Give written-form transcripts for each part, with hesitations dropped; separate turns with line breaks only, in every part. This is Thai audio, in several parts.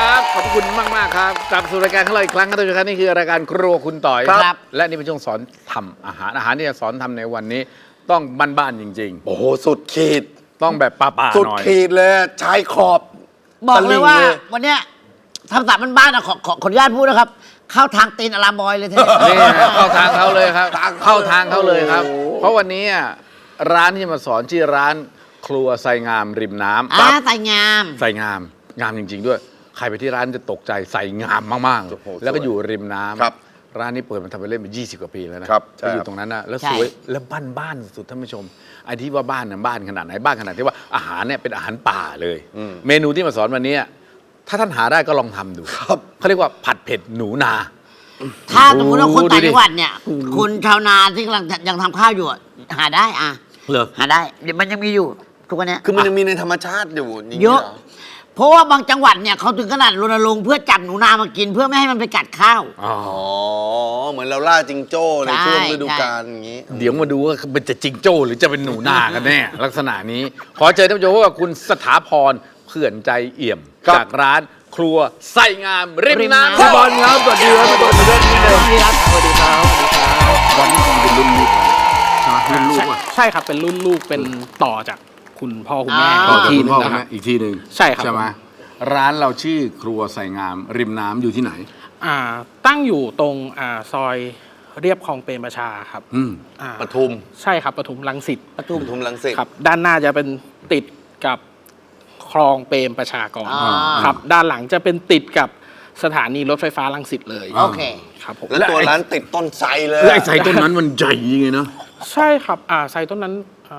ครับขอบคุณมากครับกลับสู่รายการของเราอีกครั้งครับท่านผู้ชมครับนี่คือรายการครัวคุณต่อยครับและนี่เป็นช่วงสอนทำอาหารที่จะสอนทำในวันนี้ต้องบ้านๆจริงๆ
โอ้โหสุดขีด
ต้องแบบป่าๆหน่อย
สุดขีดเลยชายขอบ
บอกเลยว่าวันเนี้ยทำสามบ้านๆนะขออนุญาตพูดนะครับเข้าทางตีนอลามบอยเลยทีนี้
นี่เข้าทางเขาเลยครับเข้าทางเขาเลยครับเพราะวันนี้ร้านที่มาสอนชื่อร้านครัวไซงามริมน้ำ
ใส่งาม
ไซงามงามจริงๆด้วยใครไปที่ร้านจะตกใจใส่งามมากๆแล้วก็อยู่ริมน้ำร้านนี้เปิดมาทำไปเล่นมา20 กว่าปีแล้วนะก็อยู่ตรงนั้นนะแล้วสวยแล้วบ้านสุดท่านผู้ชมไอ้ที่ว่าบ้านน่ะบ้านขนาดไหนบ้านขนาดที่ว่าอาหารเนี่ยเป็นอาหารป่าเลยเมนูที่มาสอนวันนี้ถ้าท่านหาได้ก็ลองทำดูเขาเรียกว่าผัดเผ็ดหนูนา
ถ้าสมมติว่าคนต่างจังหวัดเนี่ยคนชาวนาที่กำลังยังทำข้าวอยู่หาได้หาได้เดี๋ยวมันยังมีอยู่ทุกวันนี้
คือมันยังมีในธรรมชาติอยู่
เยอะเพราะว่าบางจังหวัดเนี่ยเขาถึงขนาดรณรงค์เพื่อจับหนูนามากินเพื่อไม่ให้มันไปกัดข้าว
อ๋อเหมือนเราล่าจิงโจ้ในช่วงฤดูกาลอย่างนี้
เดี๋ยวมาดูว่ามันจะจิงโจ้หรือจะเป็นหนูนากันแน่ลักษณะนี้ขอเชิญท่านผู้ชมว่าคุณสถาพรเพื่อนใจเอี่ยมจากร้านครัวไส้งามริมน้ำ
พี่บอลครับสวัสดีครับพี่บอลเรื่องนี้เลย
สวัสดีครับ
บอลนี่คงเป็นรุ่นลูกรุ่นลูก
ใช่ครับเป็นรุ่นลูกเป็นต่อจากคุณพ่อคุณแม่
อีกทีนึงอีกทีนึง
ใช่ครับ
ใช่ไหมร้านเราชื่อครัวไส้งามริมน้ำอยู่ที่ไหน
ตั้งอยู่ตรงซอยเรียบคลองเปรมประชาครับ
ปทุม
ใช่ครับปทุมรังสิต
ปทุมรังสิต
ครับด้านหน้าจะเป็นติดกับคลองเปรมประชากรครับด้านหลังจะเป็นติดกับสถานีรถไฟฟ้ารังสิตเลย
โอเค
ครับผม
แล้วตัวร้านติดต้นไทรเลย
ไอ้ไทรต้นนั้นมันใหญ่ยังไงเนาะ
ใช่ครับไทรต้นนั้น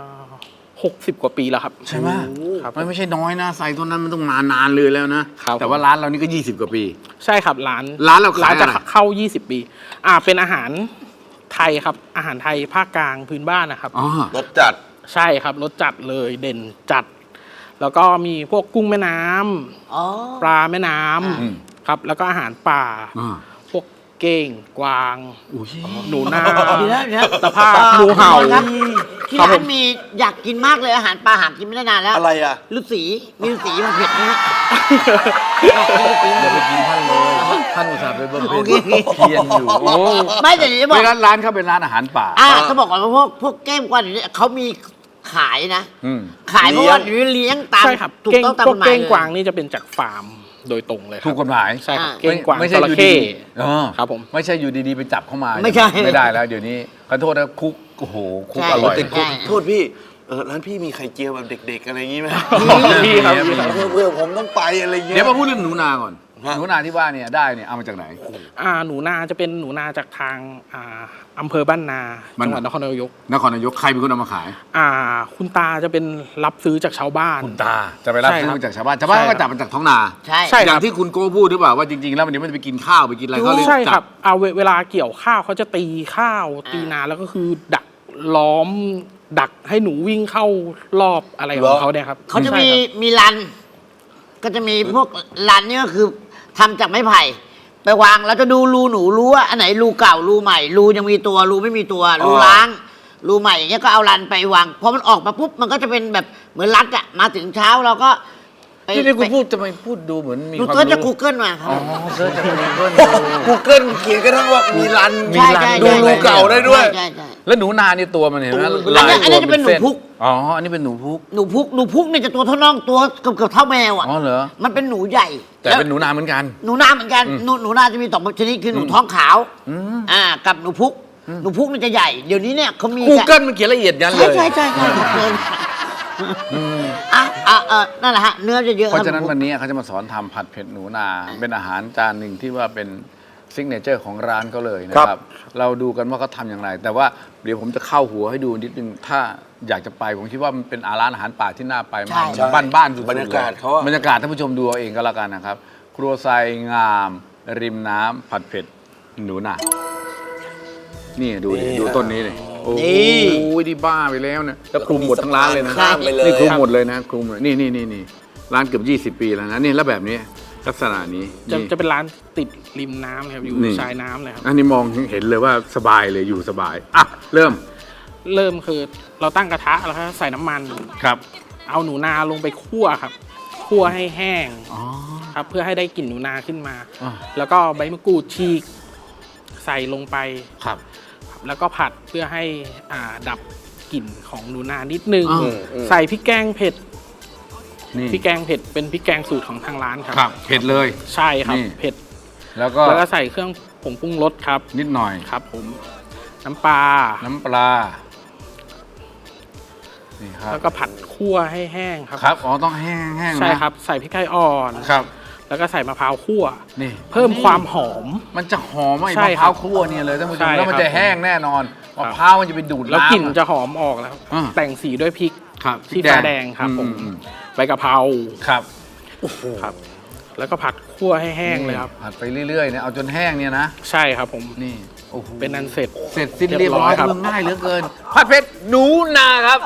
60 กว่าปีแล้วครับ
ใช่ไหมครับไม่ใช่น้อยนะไทรต้นนั้นมันต้องนานเลยแล้วนะแต่ว่าร้านเรานี่ก็20 กว่าปี
ใช่ครับร้าน
เรา
จะเข้า20 ปีเป็นอาหารไทยครับอาหารไทยภาคกลางพื้นบ้านนะครับ
รสจัด
ใช่ครับรสจัดเลยเด่นจัดแล้วก็มีพวกกุ้งแม่น้ำปลาแม่น้ำครับแล้วก็อาหารป่าพวกเก้งกวางหนูนาตะภาพงูเห่า
ที่ร้านมีอยากกินมากเลยอาหารปลาหากินไม่ได้นานแล้ว
อะไร
ฤาษีมีฤาษีมันเผ็ดนะฮะ
อย่าไปกินท่านเลยท่านอุตส่าห์ไปบำเพ็ญเพียรอยู่
ไม่แต่จะบอก
ร้านเขาเป็นร้านอาหารป่า
เขาบอกว่าพวกแก้มกวางเนี่ยเขามีขายนะขายเพราะว่าเลี้ยงตาม
ถูกต้องตามกฎหมายเก้งกวางนี่จะเป็นจากฟาร์มโดยตรงเลย
ถูกกฎหมาย
ใช่ครับเก้งกวางจระเข้ครับผม
ไม่ใช่อยู่ดีๆไปจับเข้ามา
ไม่ใช่
ไม่ได้แล้วเดี๋ยวนี้ขอโทษนะคุกโอ้โหคุกอร่อย
โทษพี่ร้านพี่มีไข่เจียวแบบเด็กๆอะไรอย่างงี้ไหม
พี่ครับ
เพื่อผมต้องไปอะไรเงี้ย
เดี๋ยวมาพูดเรื่องหนูนาก่อนหนูนาที่ว่าเนี่ยได้เนี่ยเอามาจากไหน
หนูนาจะเป็นหนูนาจากทางอำเภอบ้านนาจังหวัดนครนายก
ใครเป็นคนเอามาขาย
คุณตาจะเป็นรับซื้อจากชาวบ้าน
คุณตาจะไปรับซื้อจากชาวบ้านก็จับมาจากท้องนา
ใช่
อย่างที่คุณโก้พูดหรือเปล่าว่าจริงๆแล้ววันนี้มันจะไปกินข้าวไปกินอะไรเขาเลย
ใช่ครับเวลาเกี่ยวข้าวเขาจะตีข้าวตีนาแล้วก็คือดักล้อมดักให้หนูวิ่งเข้ารอบอะไรของเขาเนี่ยครับ
เขาจะมีรันก็จะมีพวกรันนี่ก็คือทำจากไม้ไผ่ไปวางแล้วจะดูรูหนูรู้ว่าอันไหนรูเก่ารูใหม่รูยังมีตัวรูไม่มีตัวรูล้างรูใหม่อย่างเงี้ยก็เอารันไปวางพอมันออกมาปุ๊บมันก็จะเป็นแบบเหมือนรัดอะมาถึงเช้าเราก็
ที่คุณพูดจะไม่พูดดูเหมือนมีความรู้
จะ Google มาครับ
เซิร์ชจาก
Google เขียนกระทั่งว่ามีรันดูรูเก่าได้ด้วย
แล้วหนูนานี่ตัวมันเห็นไหม
อันนี้จะเป็นหนูพุก
อันนี้เป็นหนูพุก
เนี่ยจะตัวเท่าน้องตัวเกือบเท่าแมวอ่ะ
เหรอ
มันเป็นหนูใหญ่
แต่เป็นหนูนาเหมือนกัน
หนูนาจะมี2ชนิดคือหนูท้องขาวกับหนูพุกนี่จะใหญ่เดี๋ยวนี้เนี่ยเขามี
Google มันเขียนละเอียดยันเลย
ใช่นั่นแหละฮะเนื้อจะเยอะ
เพราะฉะนั้นวันนี้เขาจะมาสอนทำผัดเผ็ดหนูนาเป็นอาหารจานหนึ่งที่ว่าเป็นซิกเนเจอร์ของร้านเขาเลยนะครับเราดูกันว่าเขาทำอย่างไรแต่ว่าเดี๋ยวผมจะเข้าหัวให้ดูนิดนึงถ้าอยากจะไปผมคิดว่ามันเป็นร้านอาหารป่าที่น่าไปมากบ้านสุดๆ
บรรยากาศเขา
บรรยากาศท่านผู้ชมดูเอาเองก็แล้วกันนะครับครัวไซงามริมน้ำผัดเผ็ดหนูนานี่ดูต้นนี้เลยโอ้ยดีบ้าไปแล้วนะแล้วคลุมหมดทั้งร้านเลยนะนี่คลุมหมดเลยนะคลุมเลยนี่ร้านเกือบ20 ปีแล้วนะนี่แล้วแบบนี้ลักษณะนี้
จะเป็นร้านติดริมน้ำครับอยู่ชายน้ำเลยครับ
อันนี้มองเห็นเลยว่าสบายเลยอยู่สบายเริ่ม
คือเราตั้งกระทะแล้วใส่น้ำมัน
ครับ
เอาหนูนาลงไปคั่วครับคั่วให้แห้งครับ เพื่อให้ได้กลิ่นหนูนาขึ้นมา
อ่า
แล้วก็ใบมะกรูดฉีกใส่ลงไป
ครับ
แล้วก็ผัดเพื่อให้ดับกลิ่นของหนูนานิดนึง
อืม
ใส่พริกแกงเผ็ด
นี่
พริกแกงเผ็ดเป็นพริกแกงสูตรของทางร้านครับ
ครับเผ็ดเลย
ใช่ครับ
นี่
เผ็ด
แล้วก็
แล้วก็ใส่เครื่องผงปรุงรสครับ
นิดหน่อย
ครับผมน้ำปลา
น้ำปลานี่ครับ
แล้วก็ผัดคั่วให้แห้งครับ
ครับอ๋อต้องแห้งๆนะ
ใช่ครับใส่พริกไทยอ่อน
ครับ
แล้วก็ใส่มะพร้าวคั่ว
นี่
เพิ่มความหอม
มันจะหอมไอ้
ใช่
มะ
ค
พ
รับ
ร้าวคั่วเนี่ยเลยท่านผู้ช
ใช่
มแล้วมัน
ครับ
จะแห้งแน่นอน
ครั
มะ
บ
พร้าวมันจะไปดูด
แล้ว
น้ำ
กลิ่นจะหอมออกแล้ว
อ่า
แต่งสีด้วยพริก
ครับ
ชี้ฟ้าแดงครับผม
อื
ใบกะเพรา
ครับ
ครับ แล้วก็ผัดคั่วให้แห้งเลยครับ
ผัดไปเรื่อยๆเนี่ยเอาจนแห้งเนี่ยนะ
ใช่ครับผม
นี่โอ้โห
เป็นอันเสร็จ
เสร็จสิ้นเรียบร้อย
เรียบร้อยครับ
เมืองง่ายเหลือเกินผัดเผ็ดหนูนาครับ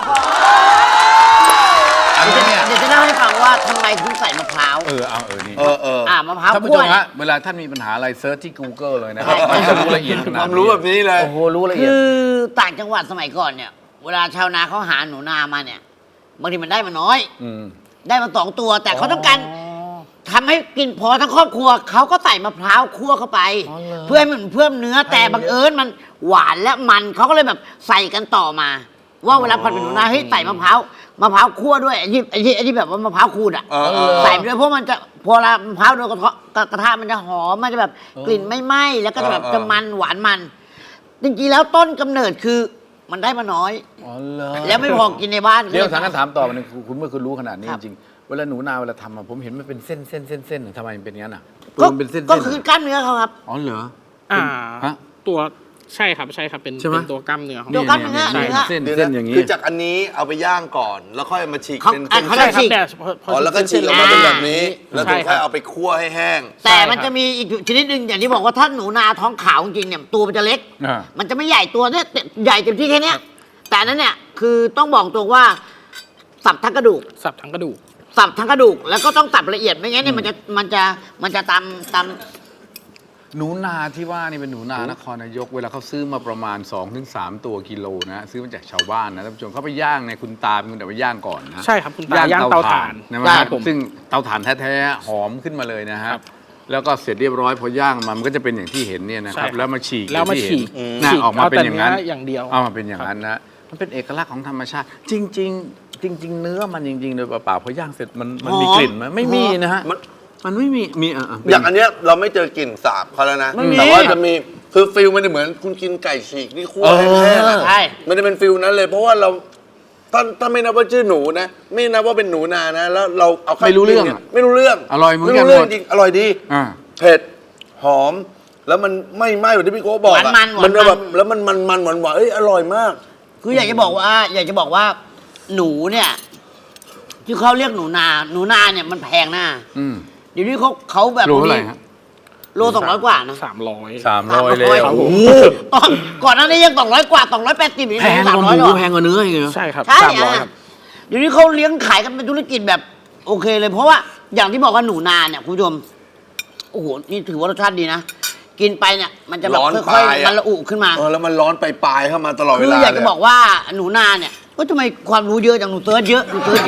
อันนี้เนี่ย
เดี๋ยวจะเล่าให้ฟังว่าทำไมถึงใส่มะพร้าว
นี่
มะพร้าว
ท่านผู้
คั่
ช
ว
ม
เนี่
ฮะ
ย
เวลาท่านมีปัญหาอะไรเซิร์ชที่ Google เลยนะครับมันจะรู้ละเอียดขนาด
ความรู้แบบนี้เลย
โอ้โหรู้ละเอียด
คือต่างจังหวัดสมัยก่อนเนี่ย เวลาชาวนาเขาหาหนูนามาเนี่ยบางทีมันได้มาน้อย
ม
ได้มา2 ตัว แต่เขาต้องการทำให้กินพอทั้งครอบครัวเขาก็ใส่มะพร้าวคั่วเข้าไป เพื่อให้มันเพิ่มเนื้อแต่บังเอิญมันหวานและมันเขาก็เลยแบบใส่กันต่อมา ว่าเวลาผัดเป็นหนูนาเฮ้ยใส่มะพร้าวคั่วด้วยไอ้ที่แบบว่ามะพร้าวขูดอ่ะ ใส่ไปด้วยเพราะมันจะพอละมะพร้าวโดนกระทะมันจะหอมมันจะแบบกลิ่นไม่ไหม้แล้วก็จะแบบจะมันหวานมัน จริงๆแล้วต้นกำเนิดคือมันได้มาน้อย
อ๋อเหรอ
แล้วไม่พอกินในบ้าน
เดี๋ยวทางนั้นถามต่อมันงคุณเมื่อคุณรู้ขนาดนี้
ค
จ
รับ
ริงๆเวลาหนูนาเวลาทำอะผมเห็นมันเป็นเส้นเส้นเส้นเส้นทำไมมันเป็นอย่างนั้นอ่ะ
ก็
มันเป็นเส้นๆ
ก็คือกล้ามเนื้อเขาครับ
อ๋อเหรอ ฮะ
ตัวใช่ครับเป็น
ใช่ไหม
เป็นตัวกล้ามเนื้อของ
ตัวกล้ามเนื้อ
ใช่เส้น
เดี๋ยว
เส้น
นะ
อย่างนี้
คือจากอันนี้เอาไปย่างก่อน แล้วค่อยมาฉีก
เขา
เป็น
อ่ะ
เส้น
เขา
ใช่
จะ
ครับ
ฉีก
เนี่ยพ
อ๋อแล้วก็ฉีกออกมาเป็นแบบนี้ แล้วถึง
ใช่ค
ค่
รั
อบ ยเอาไปคั่วให้แห้ง
แต่
ใช่ครับ
มันจะมีอีกชนิดหนึ่งอย่างที่บอกว่าถ้าหนูนาท้องขาวจริงๆเนี่ยตัวมันจะเล็ก
อ่า
มันจะไม่ใหญ่ตัวเนี่ยใหญ่เต็มที่แค่เนี้ยแต่อันนั้นเนี่ยคือต้องบอกตรงว่าสับทั้งกระดูก
สับทั้งกระดูก
สับทั้งกระดูกแล้วก็ต้องสับละเอียดไม่งั้นเนี่ยมันจะตำ
หนูนาที่ว่านี่เป็นหนูนานครนายก เวลาเขาซื้อมาประมาณ 2-3 ตัวกิโลนะซื้อมาจากชาวบ้านนะท่านผู้ชมเขาไปย่างในคุณตาเป็นคนแต่ว่าย่างก่อนนะ
ใช่ครับคุณตาย่างเตาถ่าน
นะ
ใช่
ครับซึ่งเตาถ่านแท้ๆหอมขึ้นมาเลยนะฮะแล้วก็เสร็จเรียบร้อยพอย่างมันก็จะเป็นอย่างที่เห็นเนี่ยนะค
ใช่
รับ
ครับ
แล้วมาฉีก
แล้วมา
อย่างที่
ฉีก
เห็นนะออกมาเป็นอย่างนั้น
เอาแต่เนื้ออย่างเดียว
เอามาเป็นอย่างนั้นนะมันเป็นเอกลักษณ์ของธรรมชาติ จริง ๆ จริง ๆ เนื้อมันจริงๆโดยเปล่าๆพอย่างเสร็จมันมี
หอม
กลิ่นไหมไม่มีนะฮะ
มัน
มันไม่มีมี
อย่างอันเนี้ยเราไม่เจอกลิ่นสาบเขาแล้วนะ
ไม่มี
แต่ว่าจะมีคือฟิลมันจะเหมือนคุณกินไก่ฉีกที่คั่วให้แห้งอะ
ใช่
มันจะเป็นฟิลนั้นเลย เพราะว่าเราถ้าไม่นับว่าชื่อหนูนะ ไม่นับว่าเป็นหนูนานะ แล้วเราเอาข้าว
ไม่รู้เรื่อง
กินนี่ยไม่รู้เรื่อง
อร่อยเหมือนกัน
ไม่รู้เรื่อง
หมด
จริงอร่อยดี
อ่า
เผ็ดหอม แล้วมันไม่ไหม้แบบที่พี่โก้บอกอะ
หวานมัน
มันจะแบบ
หวานมัน
แล้วมันหวานเอ้ยอร่อยมาก
คืออยากจะบอกว่าหนูเนี่ย ที่เขาเรียกหนูนาเนี่ยมันแพงหน้า
อืม
เดี๋ยวนี้เขาแบบ
รู้เท่าไหร่ฮะ
โล200 กว่านะ
300
300เลย
โอ้โหก่อนหน้านี้ยัง200 กว่า280นี่
แพงกว่าห
300
มู
หรอ
แพงกว่าเนื้ออีกเหรอ
ใช่ครับ
ใช่
300
อะ
ครับ
เดี๋ยวนี้เขาเลี้ยงขายกันเป็นธุรกิจแบบโอเคเลย เพราะว่าอย่างที่บอกว่าหนูนาเนี่ยคุณผู้ชมโอ้โหนี่ถือว่ารสชาติดีนะ กินไปเนี่ยมันจะแบบ
ร้อน
ค่อย
ปลาย
ๆ
อะ
มันละอุขึ้นมา
แล้วมันร้อนปลายๆเข้ามาตลอดเว
คือ
ลา
อยากจะ
เล
บอกว่าหนูนาเนี่ยว่าทำไมความรู้เยอะจังหนูเซิร์ชเยอะ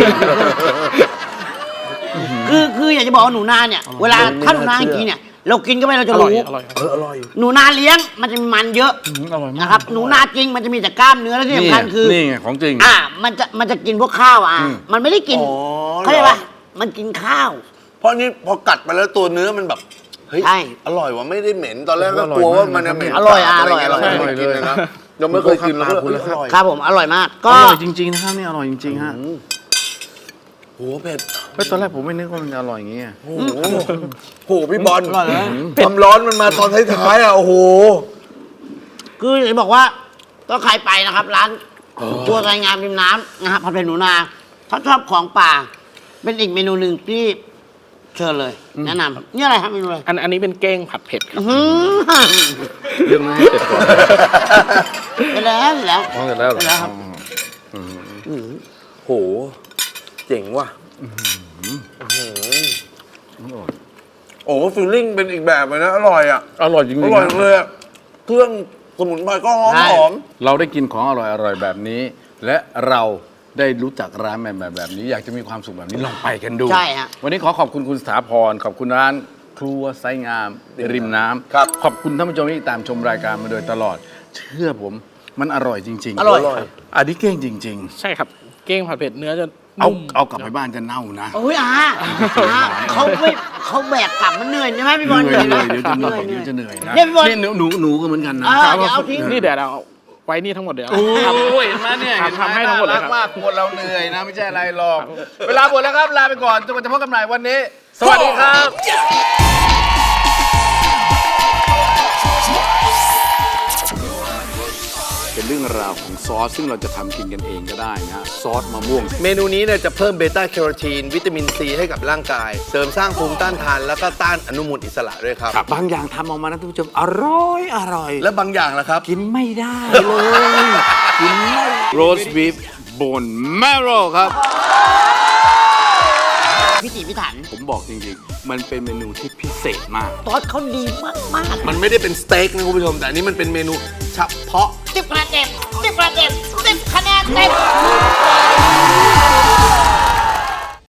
คืออยากจะบอกว่าหนูนาเนี่ยเวลาถ้าหนูนาจริงๆเนี่ยเรากินก็ไปเราจะ
อร่อย
รู้
อร่อยครับ
อร่อย
หนูนาเลี้ยงมันจะมีมันเยอะ
อร่อยมาก
นะครับหนูนาจริงมันจะมีแต่กล้ามเนื้อและที่สำคัญคือ
นี่ไงของจริง
มันจะกินพวกข้าวมันไม่ได้กิน
อ๋อ
เข้าใจปะมันกินข้าว
เพราะนี่พอกัดไปแล้วตัวเนื้อมันแบบเฮ้ย
ใช่
อร่อยว่ะไม่ได้เหม็นตอนแรกก็
อร่อย
กลัวว่า
มาก
มันจะเหม็น
อร่อย
สาบ
อร่อย
ะไเงี้
อร่อย
เราไม่เคยกินเลยนะยังไม่เคยกินเลย
ขอบคุณครับ
อร่อย
ครับผมอร่อยมาก
อ
ก็
ร่อยจริงๆนะครับนี่อร่อยจริงๆฮะ
โหเผ็ด
เฮ้ยตอนแรกผมไม่นึกว่ามันจะอร่อยอย่างงี้
โอ้โหพี่บอล
อร่อยนะ
ความร้อนมันมาตอนท้ายๆอ่ะโอ้โห
คือจะบอกว่าก็ใครไปนะครับ ร้านครัวไทยงามริมน้ำนะครับผัดเผ็ดหนูนาถ้าชอบของป่า เป็นอีกเมนูหนึ่งที่เชิญเลย แนะนำนี่อะไรครับเมนูอะไร
อันนี้เป็นเก้งผัดเผ็ดครับ
อื้อหือ
เรื่องนั้นให้เสร็จก่อน
ไปแล้วไปแล้ว
อ๋อเสร็จแล้วเหรอ
ไปแล้วครับ
โหเจ๋งว่ะโอ้ฟีลลิ่งเป็นอีกแบบเลยนะ อร่อยอ่ะ
อร่อยจริง
อ
ๆ
ร่อย
นะ
เลยอะเครื่องสมุนไพรก็หอม
ใช่
หอม
เราได้กินของอร่อยๆแบบนี้ และเราได้รู้จักร้านแบบนี้อยากจะมีความสุขแบบนี้ลองไปกันดู
ใช่ฮะ
วันนี้ขอบคุณคุณสถาพรขอบคุณร้านครัวไซงามริมน้ำ
ครับ
ขอบคุณท่านผู้ชมที่ตามชมรายการมาโดยตลอด เชื่อผมมันอร่อยจริงๆ
อร่อย
อันนี้เก่งจริง
ใช่ครับ เก้งผัดเผ็ดเนื้อจะ
ๆ เอา
นุ่ม
เอากลับไปบ้านจะเน่านะ
โอ้ยเขาแบกกลับมันเหนื่อยใช่ไหมพี่บอล
เหนื่อย
ไหม
เดี๋ยวจะเหนื่อยเดี๋ยวจะเหนื่อยนะ
เนี่ยพี่บอล
นี่หนูก็เหมือนกันนะ
เดี๋ยวเอาทิ้ง
นี่เดี๋ยวเราไว้นี่ทั้งหมดเดี๋ยว
โอ้ยเห็นไหมเนี่ย
ทำให้ทั้งหมดเลย
น่า
ครั
รั
บ
กมากคนเราเหนื่อยนะไม่ใช่อะไรหรอก เวลาหมดแล้วครับลาไปก่อนจนกว่าจะพบกันใหม่วันนี้ สวัสดีครับ เป็นเรื่องราวของซอสซึ่งเราจะทำกินกันเองก็ได้นะซอสมะม่วง
เมนูนี้เนี่ยจะเพิ่มเบต้าแคโรทีนวิตามินซีให้กับร่างกาย เสริมสร้างภูมิต้านทาน แล้วก็ต้านอนุมูลอิสระด้วยครับ
บางอย่างทำออกมานะท่านผู้ชมอร่อย
และบางอย่างล่ะครับ
กินไม่ได้เลยกินไม่โรสบีฟบนแมโรครับ
พิถีพิถัน
ผมบอกจริงๆ มันเป็นเมนูที่พิเศษมาก
ซอสเขาดีมาก
มันไม่ได้เป็นสเต็กนะคุณผู้ชม แต่อันนี้มันเป็นเมนูเฉพาะ
ๆ10 คะแนนเต็ม10 คะแนนเต็ม10 คะแนนเต็ม